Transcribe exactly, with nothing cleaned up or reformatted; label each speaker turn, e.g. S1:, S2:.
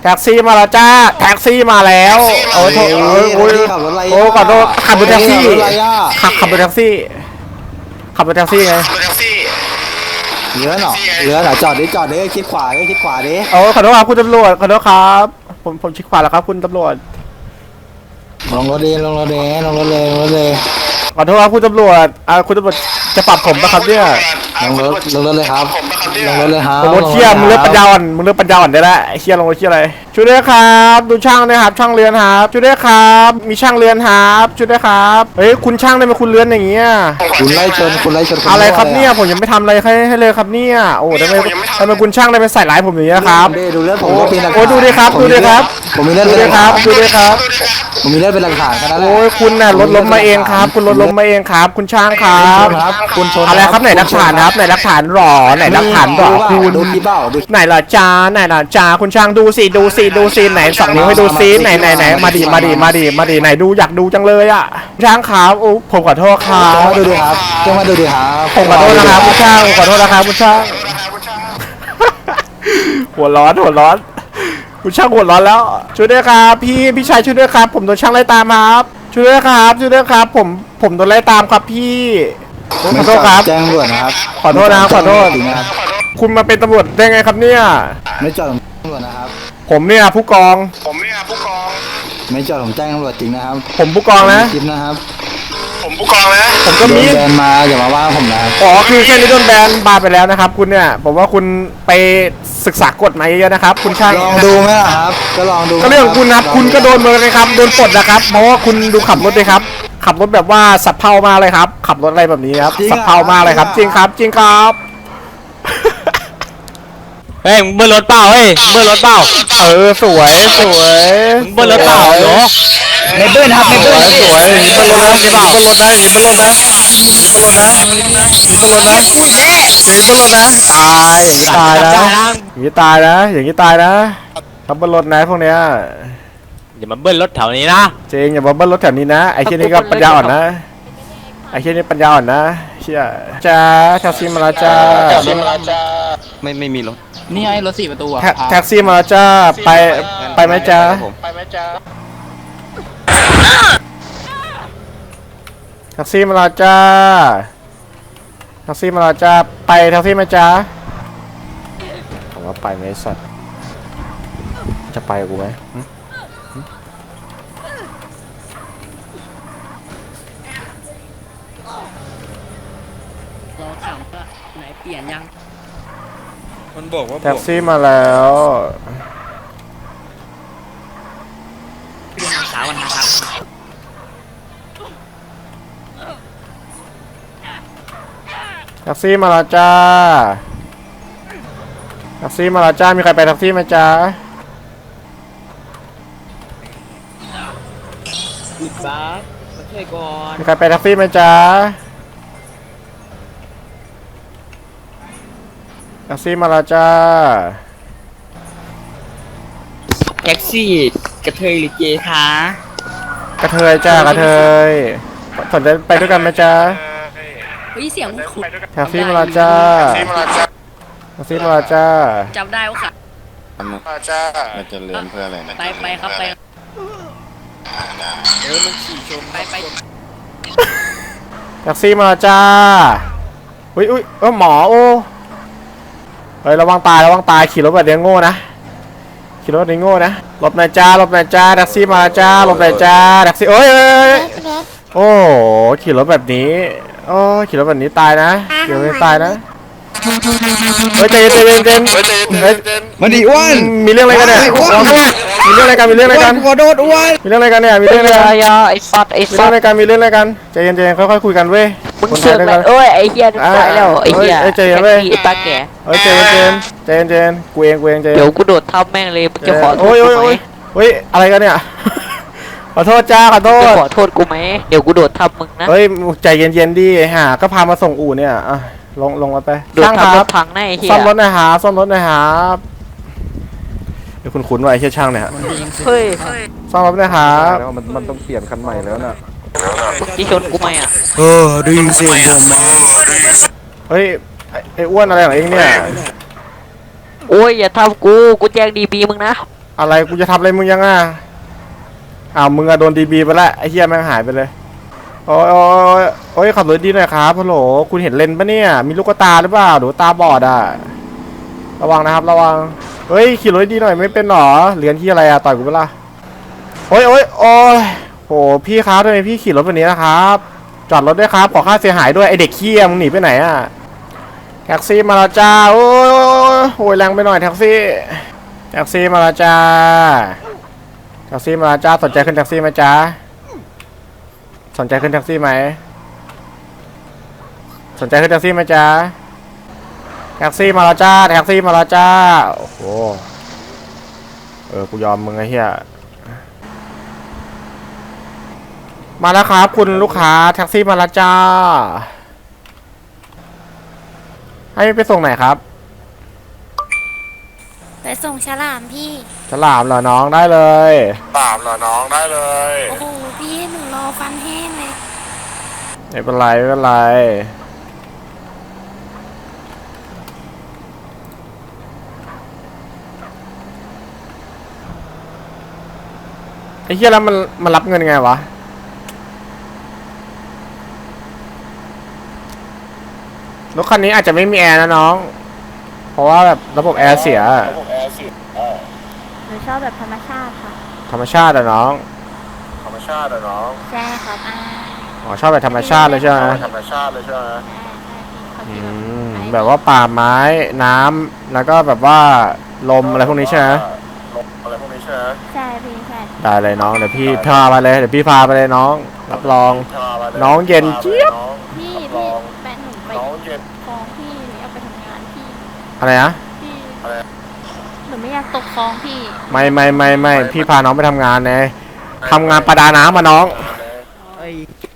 S1: แท็กซี่มาแล้วจ้าแท็กซี่มาแล้วโอ้โหโอ้ยโอ้ก่อนโทษขับรถแท็กซี่ขับขับรถแท็กซี่ขับรถแท็กซี่ไง
S2: เหลือหรอเหลือหรอจอดดิจอดดิคิดขวาดิคิดขวาดิ
S1: โอ้ขอโทษครับคุณตำรวจขอโทษครับผมผมชิดขวาแล้วครับคุณตำรวจ
S2: ลงรถดีลงรถดีลงรถเลยลงรถเลย
S1: ขอโทษครับคุณตำรวจอ่าคุณตำรวจจะปรับผมปะครับเนี่ย
S2: ลงรถลงรถเลยครับลงรถเลยครับ
S1: ผมรถเชี่ยมึงเลือกปัญญาอ่อนมึงเลือกปัญญาอ่อนได้แล้วไอ้เชี่ยลงรถเชี่ยอะไรช่วยด้วยครับดูช่างนะครับช่างเรือนครับช่วยด้วยครับมีช่างเรือนครับช่วยด้วยครับเฮ้ยคุณช่างได้ไหมคุณเรือนอย่างเงี้ย
S2: คุณไล่ชนคุณไล่ชน
S1: อะไรครับเนี่ยผมยังไม่ทำอะไรให้ให้เลยครับเนี่ยโอ้ทำไมทำไมคุณช่างได้ไปใส่ร้ายผมอย่างนี้ครับ
S2: ดูเลือดผมก็เป็นหลักฐาน
S1: โอ้ดูดิครับดูดิครับ
S2: ผมมีเลือด
S1: ดูดิครับดูดิครับ
S2: ผมมีเลือดเป็นหลักฐานแค่นั้นแหละ
S1: โอ้ยคุณน่ะรถล้มมาเองครับคุณรถล้มมาเองครับคุณช่างครับ
S2: คุณชน
S1: อะไรครับไหนหลักฐานครับไหนหลักฐานหรอไหนหลักฐานหรอคุณ
S2: ดูที่เบ้าดู
S1: ไหนล่ะจ้าไหนล่ะจ้าคุณช่างดูสิดูสิดูสิไหนสองนิ้วให้ดูสิไหนไหนไหนมาดิมาดิมาดิมาดิไหนดูอยากดูจังเลยอ่ะช่างครับโอ้ผมขอโทษครับ
S2: มาดูดิครับจ้ามาดูดิครับ
S1: ผมขอโทษนะครับคุณช่างขอโทษนะครับคุณช่างหัวร้อนหัวร้อนคุณช่างหัวร้อนแล้วช่วยด้วยครับพี่พี่ชายช่วยด้วยครับผมโดนช่างไล่ตามครับช่วยด้วยครับช่วยด้วยครับผมผมโดนไล่ตามครับพี่ขอโทษครับ
S2: แจ้งตำรวจนะครับ
S1: ขอโทษนะขอโทษคุณมาเป็นตำรวจได้ไงครับเนี่ย
S2: ไม่จอดตำรวจนะครับ
S1: ผมเนี่ยผู้กอง
S3: ผมเนี่ยผู้กอง
S2: ไม่จอดผมแจ้งตำรวจจริงนะครับ
S1: ผมผู้กองนะ
S2: คลิปนะครับ
S3: ผมผู้กองนะ
S1: ผมก็มี
S2: แบนมาอย่ามาว่าผมนะ
S1: อ๋อคือแค่นี้โดนแบนบาไปแล้วนะครับคุณเนี่ยผมว่าคุณไปศึกษากฎมาเยอะนะครับคุณช่าง
S2: ลองดูไหมล่ะครับก็ลองดู
S1: ก็เรื่องของคุณครับคุณก็โดนเหมือนกันครับโดนปลดนะครับเพราะว่าคุณดูขับรถเลยครับขับรถแบบว่าสับเพามากเลยครับขับรถอะไรแบบนี้ครับสับเพามากเลยครับจริงครับจริงครับ
S4: เฮ้ยมึงเบิ้ลรถเปล่าเฮ้ยเบิ้ลรถเปล่า
S1: เออสวยสวย
S4: มึงเบิ้ลรถเปล่าเหรอ
S2: ไม่เบิ้ลครับไม่เบิ้ล
S1: สวยเบิ้ลรถนะเบิ้ลรถนะเบิ้ลรถนะเบิ้ลรถนะเบิ้ลรถนะเบิ้ลรถนะตายอย่างนี้ตายนะอย่างนี้ตายนะอย่างนี้ตายนะทำเบิ้ลรถนะพวกเนี้ย
S4: อย่ามาเบิ้ลรถแถวนี้นะ
S1: เจงอย่ามาเบิ้ลรถแถวนี้นะไอ้เช่นนี้ก็ปัญญาอ่อนนะไอ้เช่นนี้ปัญญาอ่อนนะเชี่ยจ้าแท็กซี่มาแล้วจ้า
S4: ไม่ไม่มีรถ
S5: นี่ไงรถสี่ประตูอะ
S1: แท็กซี่มาแล้วจ้าไปไปไหมจ้าไปไหมจ้าแท็กซี่มาแล้วจ้าแท็กซี่มาแล้วจ้าไปแท็กซี่ไหมจ้าผมว่าไปไหมสัตว์จะไปกูไหม
S5: เราถามว่าไหนเปลี่ยนยัง
S4: มันบอกว่า
S1: แท็กซี่มาแล้ว
S5: เปลี่ยนสาววันนะครับ
S1: แท็กซี่มาแล้วจ้าแท็กซี่มาแล้วจ้ามีใครไปแท็กซี่ไหมจ้า
S5: อีกบ้ามาช่วยก่อน
S1: มีใครไปแท็กซี่ไหมจ้าแท็กซี่มาแล้วจ้า
S5: แท็กซี่กระเทยหรือเกย์คะ
S1: กระเทยจ้ากระเทยสนใจไปด้วยกันไหมจ้า
S5: เฮ้ยเสียงคุณ
S1: แท็กซี่มาแล้วจ้าแท็กซี่มาแล้วจ้า
S5: จำได้ว่าค่ะ
S3: มาจ้าเราจะเรียนเพื่ออะไรนะ
S5: ไปไปครับไป
S3: เดี๋ยวมันขี่ชน
S5: ไปไป
S1: แท็กซี่มาแล้วจ้าอุ้ยอุ้ยเออหมอโอ้เฮ้ยระวังตายระวังตายขี่รถแบบนี้โง่นะขี่รถแบบนี้โง่นะหลบหน่อยจ้าหลบหน่อยจ้าแท็กซี่มาจ้าหลบหน่อยจ้าแท็กซี่เอ้ยโอ้ขี่รถแบบนี้โอ้ขี่รถแบบนี้ตายนะขี่รถแบบนี้ตายนะเฮ้ยใจเย็นใจเย็นใจเย็น
S2: มาดิอ้วน
S1: มีเรื่องอะไรกันเนี่ยมีเรื่องอะไรกันมีเรื่องอะไรกัน
S2: ขอโทษอ้วน
S1: มีเรื่องอะไรกันเนี่ยมีเรื่องอะไรกัน
S5: ไอ้สัตว์ไอ้สัตว์
S1: มีเรื่องอะไรกันมีเรื่องอะไรกันใจเย็นใจเย็นค่อยๆคุยกันเว้ย
S5: มึงเสือกเลยเอ้ยไอ้เหี้ยตายแล้วไอ้เหี้ย
S1: ใจเย็นเว้ย
S5: ตาแก่
S1: เฮ้ยใจเย็นใจเย็นใจเย็นใจเย็นกูเองกูเองใจเย็น
S5: เดี๋ยวกูโดดทับแม่งเลยมึงจะขอโทษกูไหม
S1: เฮ้ยอะไรกันเนี่ยขอโทษจ้าขอโทษ
S5: จะขอโทษกูไหมเดี๋ยวกูโดดทับมึงนะ
S1: เฮ้ยใจเย็นๆดิฮะก็พามาส่งอู่เนี่ยอ่ะลงลงมาไป
S5: ช่างครับพังแน่เฮีย
S1: ซ่อมรถหน่อยฮะซ่อมรถหน่อยฮะเดี๋ยวคุณคุ้นว่าไอ้เชี่ยช่างเนี่ยฮะ
S5: เฮ้ย
S1: ซ่อมรถหน่อยฮะแล้วมันมันต้องเปลี่ยนคันใหม่แล้วน่ะ
S5: ที่ชนกูไหมอ่ะ
S2: เออได้ยินเสียงผมมา
S1: เฮ้ยไอ้อ้วนอะไรของเองเนี่ย
S5: โอ้ยอย่าทำกูกูแจ้งดีบีมึงนะ
S1: อะไรกูจะทำอะไรมึงยังอ่ะอ้าวมึงอะโดนดีบีไปแล้วไอ้เหี้ยแม่งหายไปเลยโอ้ยโอ้ยโอ้ยขับรถดีหน่อยครับฮัลโหลคุณเห็นเลนปะเนี่ยมีลูกตาหรือเปล่าหรือตาบอดอ่ะระวังนะครับระวังเฮ้ยขี่รถดีหน่อยไม่เป็นหรอเรียนที่อะไรอะต่อยกูเปล่าโอ้ยโอ้ยโอ้ยโหพี่ครับทำไมพี่ขี่รถแบบนี้นะครับจอดรถด้วยครับขอค่าเสียหายด้วยไอเด็กเคี้ยมึงหนีไปไหนอ่ะแท็กซี่มาแล้วจ้าโอ้ยโอ้ยแรงไปหน่อยแท็กซี่แท็กซี่มาแล้วจ้าแท็กซี่มาแล้วจ้าสนใจขึ้นแท็กซี่ไหมจ้าสนใจขึ้นแท็กซี่ไหมสนใจขึ้นแท็กซี่ไหมจ้าแท็กซี่มาแล้วจ้าแท็กซี่มาแล้วจ้าโอ้โหเออกูยอมมึงไอ้เหี้ยมาแล้วครับคุณลูกค้าแท็กซี่มาแล้วจ้าให้ไปส่งไหนครับ
S6: ไปส่งฉลามพี่
S1: ฉลามเหรอน้องได้เลย
S3: ตามเหรอน้องได้เลย
S6: โอ้โหพี่หนูรอฟันแห้งเลย
S1: ไม่เป็นไรไม่เป็นไรไอ้เหี้ยแล้วมันมันรับเงินไงวะรถคันนี้อาจจะไม่มีแอร์นะน้อง เพราะว่าแบบระบบแอร์เสีย
S6: หนูชอบแบบธรรมชาติค่ะ
S1: ธรรมชาติอะน้อง
S3: ธรรมชาติอะน้อง
S6: ใช่ครับอ่า
S1: อ๋อชอบแบบธรรมชาติเลยใช่ไหม
S3: ธรรมชาติเลยใช่ไหม
S6: ใช่ใช่
S1: อื
S6: พี่เขา
S1: ม
S6: จะ
S1: แบบว่าป่าไม้น้ำแล้วก็แบบว่าลมอะไรพวกนี้ใช่ไหม
S3: ลมอะไรพวกนี้ใช่ไหม
S6: ใช่พี่ใช่
S1: ได้เลยน้องเดี๋ยวพี่พาไปเลยเดี๋ยวพี่พาไปเลยน้อง รับรอง
S3: พาไปล
S1: น้องเย็นเจี๊ยบ
S3: น้อง
S6: พี่
S3: ล
S6: พี่
S3: อง
S6: แฟนหนูไป
S3: น้องเย็น
S6: คลองพี่หนูเอาไปทำงานพี่
S1: อะไรนะ
S6: พี่
S3: อะไร
S6: หนูไม่อยากตกคลองพี่
S1: ไม่ไม่ไม่ไม่พี่พาน้องไปทำงานไงทำงานประดาน้ำมาน้อง
S3: เลย